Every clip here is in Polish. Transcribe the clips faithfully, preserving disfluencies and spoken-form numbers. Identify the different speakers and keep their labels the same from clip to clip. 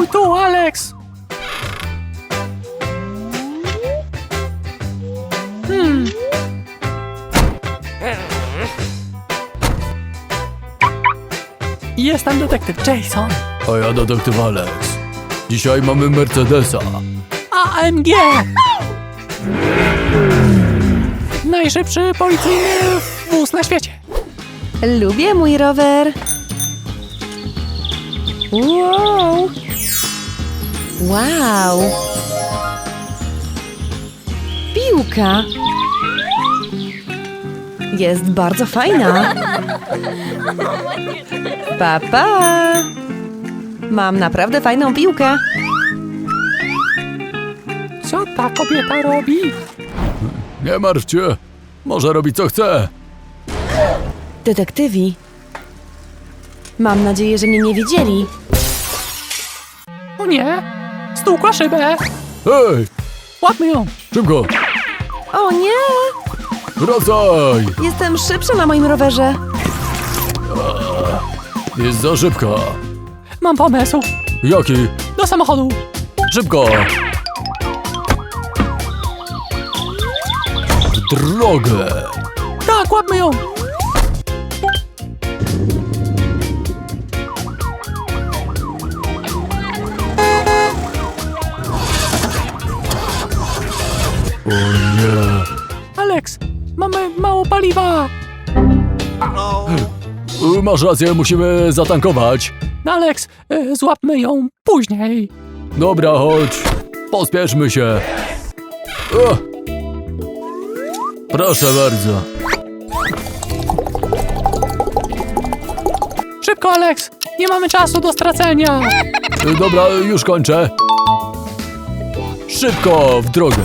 Speaker 1: Stój tu, Alex! Hmm. Jestem detektyw Jason.
Speaker 2: A ja detektyw Alex. Dzisiaj mamy Mercedesa.
Speaker 1: A M G! Najszybszy policyjny wóz na świecie.
Speaker 3: Lubię mój rower. Wow! Wow! Piłka! Jest bardzo fajna. Papa! Pa. Mam naprawdę fajną piłkę.
Speaker 1: Co ta kobieta robi?
Speaker 2: Nie martwcie. Może robić co chce.
Speaker 3: Detektywi. Mam nadzieję, że mnie nie widzieli.
Speaker 1: O nie! Stukła szybę!
Speaker 2: Hej!
Speaker 1: Łapmy ją!
Speaker 2: Szybko!
Speaker 3: O nie!
Speaker 2: Wracaj!
Speaker 3: Jestem szybsza na moim rowerze.
Speaker 2: Jest za szybka.
Speaker 1: Mam pomysł!
Speaker 2: Jaki?
Speaker 1: Do samochodu!
Speaker 2: Szybko! W drogę!
Speaker 1: Tak, łapmy ją!
Speaker 2: O nie!
Speaker 1: Alex, mamy mało paliwa!
Speaker 2: Y, Masz rację, musimy zatankować.
Speaker 1: Alex, y, złapmy ją później.
Speaker 2: Dobra, chodź. Pospieszmy się. O! Proszę bardzo.
Speaker 1: Szybko, Alex! Nie mamy czasu do stracenia!
Speaker 2: Y, Dobra, już kończę. Szybko, w drogę.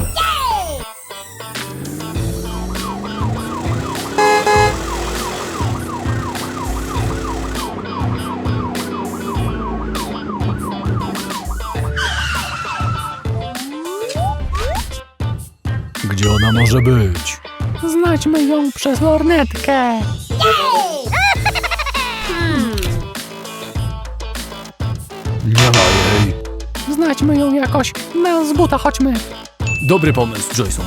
Speaker 2: Gdzie ona może być?
Speaker 1: Znajdźmy ją przez lornetkę.
Speaker 2: Nie ma jej.
Speaker 1: Znajdźmy ją jakoś. Na z buta chodźmy.
Speaker 2: Dobry pomysł, Jason.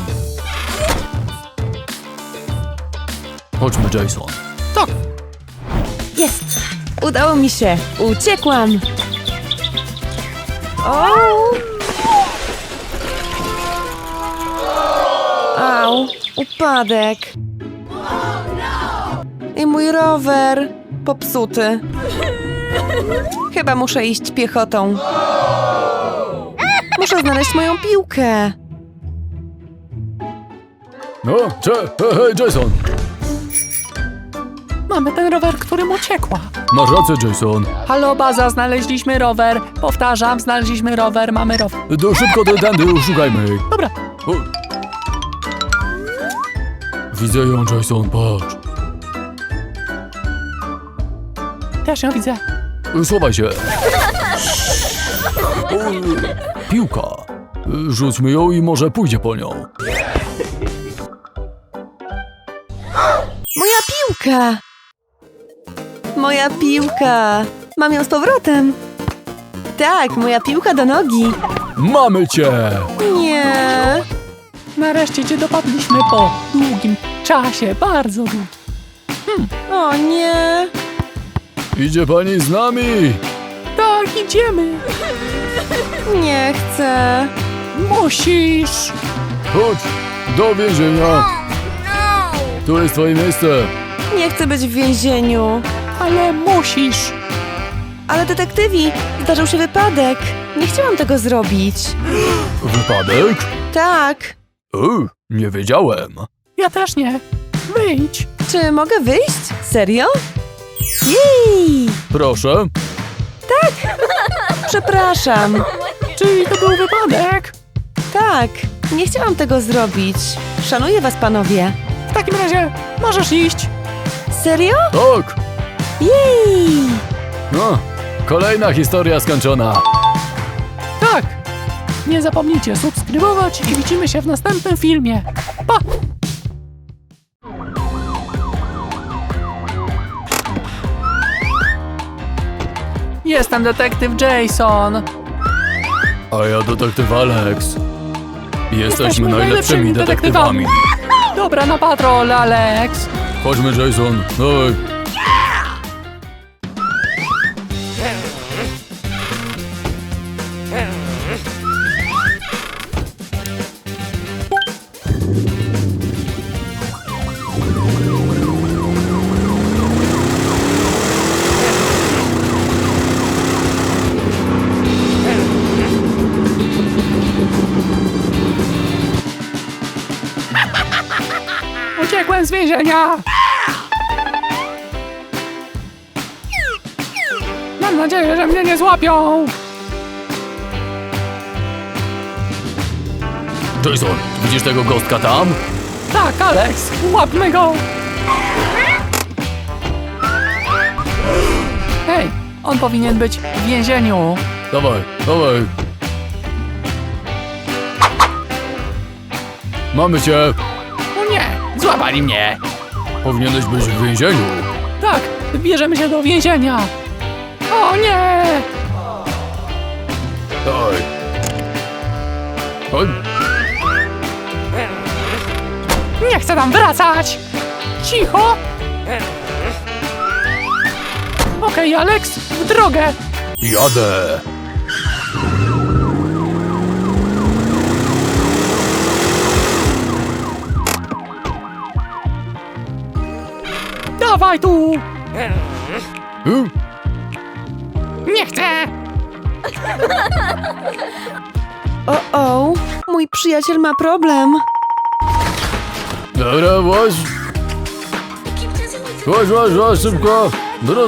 Speaker 2: Chodźmy, Jason.
Speaker 1: Tak.
Speaker 3: Jest! Udało mi się! Uciekłam! O! Au! Upadek! I mój rower! Popsuty. Chyba muszę iść piechotą. Muszę znaleźć moją piłkę.
Speaker 2: No, cze, hej, hej, Jason.
Speaker 1: Mamy ten rower, którym uciekła.
Speaker 2: Masz rację, Jason.
Speaker 1: Halo, baza, znaleźliśmy rower. Powtarzam, znaleźliśmy rower, mamy rower.
Speaker 2: To szybko do tędy, szukajmy jej.
Speaker 1: Dobra.
Speaker 2: O. Widzę ją, Jason, patrz.
Speaker 1: Też ją widzę.
Speaker 2: Schowaj się. O, piłka. Rzućmy ją i może pójdzie po nią.
Speaker 3: Moja piłka! Moja piłka! Mam ją z powrotem. Tak, moja piłka do nogi.
Speaker 2: Mamy cię!
Speaker 3: Nie.
Speaker 1: Nareszcie cię dopadliśmy po długim czasie, bardzo długim.
Speaker 3: O nie.
Speaker 2: Idzie pani z nami!
Speaker 1: Tak, idziemy.
Speaker 3: Nie chcę.
Speaker 1: Musisz.
Speaker 2: Chodź, do więzienia. Tu jest twoje miejsce.
Speaker 3: Nie chcę być w więzieniu.
Speaker 1: Ale musisz.
Speaker 3: Ale detektywi, zdarzył się wypadek. Nie chciałam tego zrobić.
Speaker 2: Wypadek?
Speaker 3: Tak.
Speaker 2: U, nie wiedziałem.
Speaker 1: Ja też nie. Wyjdź.
Speaker 3: Czy mogę wyjść? Serio? Jej!
Speaker 2: Proszę.
Speaker 3: Przepraszam.
Speaker 1: Czyli to był wypadek?
Speaker 3: Tak, nie chciałam tego zrobić. Szanuję was, panowie.
Speaker 1: W takim razie możesz iść.
Speaker 3: Serio?
Speaker 2: Tak.
Speaker 3: Jej!
Speaker 2: No, kolejna historia skończona.
Speaker 1: Tak. Nie zapomnijcie subskrybować i widzimy się w następnym filmie. Pa! Jestem detektyw Jason.
Speaker 2: A ja detektyw Alex. Jesteśmy,
Speaker 1: Jesteśmy
Speaker 2: najlepszymi
Speaker 1: najlepszymi
Speaker 2: detektywami.
Speaker 1: detektywami. Dobra, na patrol, Alex.
Speaker 2: Chodźmy, Jason. Dawaj.
Speaker 1: Uciekłem z więzienia. Mam nadzieję, że mnie nie złapią.
Speaker 2: Jason, widzisz tego gostka tam?
Speaker 1: Tak, Alex, łapmy go. Hej, on powinien być w więzieniu.
Speaker 2: Dawaj, dawaj. Mamy cię.
Speaker 1: O nie, złapali mnie.
Speaker 2: Powinieneś być w więzieniu.
Speaker 1: Tak, bierzemy się do więzienia. O nie!
Speaker 2: Dawaj. Chodź.
Speaker 1: Nie chcę tam wracać. Cicho. Okej, Alex, w drogę.
Speaker 2: Jadę.
Speaker 1: Dawaj tu.
Speaker 2: Hmm?
Speaker 1: Nie chcę.
Speaker 3: O, o, mój przyjaciel ma problem.
Speaker 2: Dobra, chodź. Chodź, chodź, chodź, szybko. Teraz,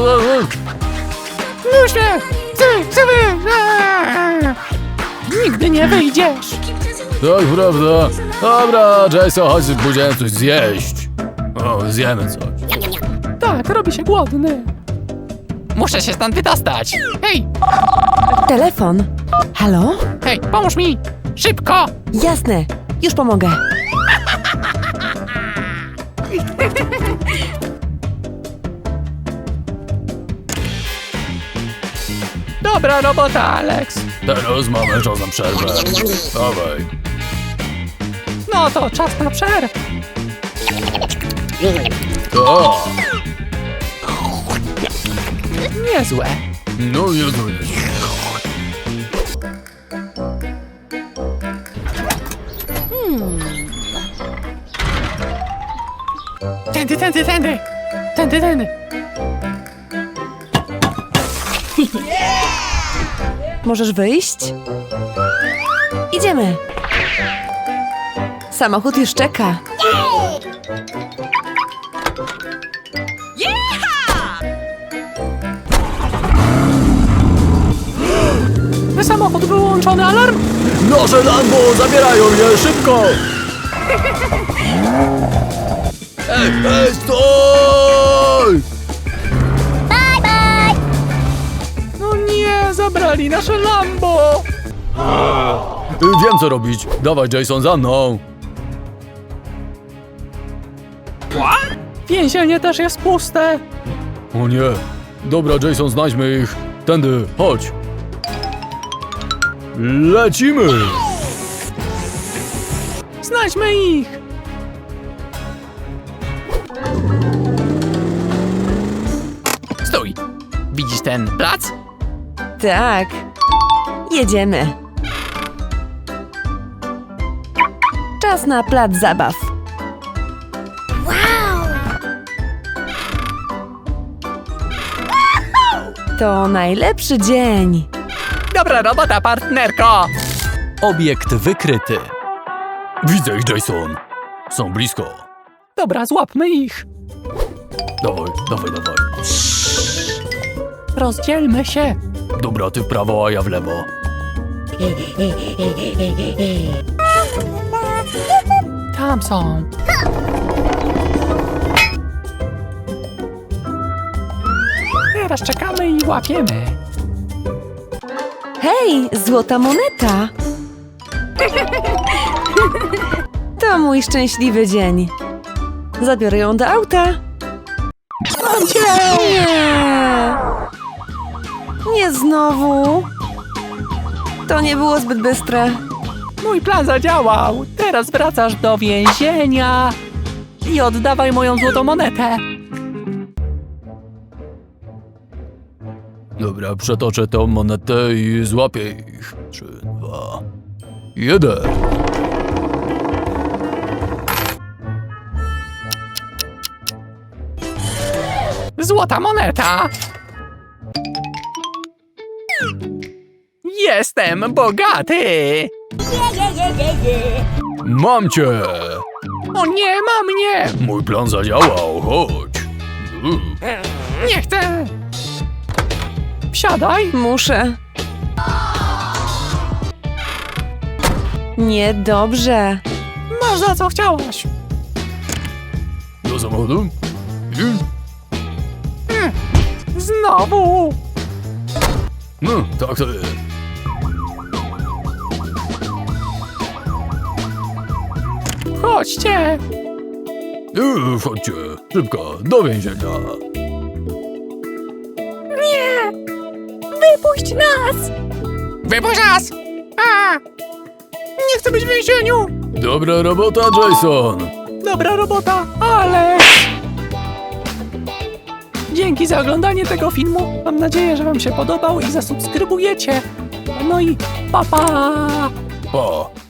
Speaker 1: Już mnie. Chcę, chcę wy. Eee. Nigdy nie wyjdziesz.
Speaker 2: tak, prawda. Dobra, Jason, chodź, pójdziemy coś zjeść. O, zjemy coś.
Speaker 1: Tak, robi się głodny. Muszę się stąd wydostać. Hej,
Speaker 3: Telefon. Halo?
Speaker 1: hej, pomóż mi. Szybko.
Speaker 3: Jasne, już pomogę.
Speaker 1: Dobra robota, Alex.
Speaker 2: Teraz mamy czas na przerwę. Dawaj.
Speaker 1: No to czas na przerwę.
Speaker 2: To.
Speaker 1: Niezłe.
Speaker 2: No, Jezu, Jezu.
Speaker 1: Tędy, tędy, tędy. Tędy, tędy.
Speaker 3: Możesz wyjść? Idziemy. Samochód już czeka.
Speaker 1: Samochód wyłączony, alarm?
Speaker 2: Noże Lambo, zabierają je, szybko! Ej, ej, stój!
Speaker 1: No nie, zabrali nasze Lambo.
Speaker 2: Wiem co robić. Dawaj, Jason, za mną.
Speaker 1: Więzienie też jest puste.
Speaker 2: O nie. Dobra, Jason, znajdźmy ich. Tędy, chodź. Lecimy!
Speaker 1: Znajdźmy ich. Stój. Widzisz ten plac?
Speaker 3: Tak. Jedziemy. Czas na plac zabaw. To najlepszy dzień.
Speaker 1: Dobra robota, partnerko. Obiekt wykryty.
Speaker 2: Widzę ich, Jason. Są blisko.
Speaker 1: Dobra, złapmy ich.
Speaker 2: Dawaj, dawaj, dawaj.
Speaker 1: Rozdzielmy się.
Speaker 2: Dobra, ty w prawo, a ja w lewo.
Speaker 1: Tam są. Teraz czekamy i łapiemy.
Speaker 3: Hej, złota moneta! To mój szczęśliwy dzień. Zabiorę ją do auta.
Speaker 1: Mam cię!
Speaker 3: Nie! Nie znowu! To nie było zbyt bystre.
Speaker 1: Mój plan zadziałał. Teraz wracasz do więzienia i oddawaj moją złotą monetę.
Speaker 2: Dobra, przetoczę tą monetę i złapię ich. Trzy, dwa, jeden.
Speaker 1: Złota moneta. Jestem bogaty.
Speaker 2: Mam cię!
Speaker 1: O nie, ma mnie.
Speaker 2: Mój plan zadziałał, chodź. U.
Speaker 1: Nie chcę. Wsiadaj.
Speaker 3: Muszę. Niedobrze.
Speaker 1: Masz za co chciałaś.
Speaker 2: Do samochodu? I...
Speaker 1: Znowu.
Speaker 2: No, tak to jest.
Speaker 1: Chodźcie.
Speaker 2: Yy, chodźcie, szybko, do więzienia.
Speaker 1: Nie. Wypuść nas. Wypuść nas. A. Nie chcę być w więzieniu.
Speaker 2: Dobra robota, Jason.
Speaker 1: Dobra robota, ale... Dzięki za oglądanie tego filmu. Mam nadzieję, że wam się podobał i zasubskrybujecie. No i pa pa!
Speaker 2: Pa.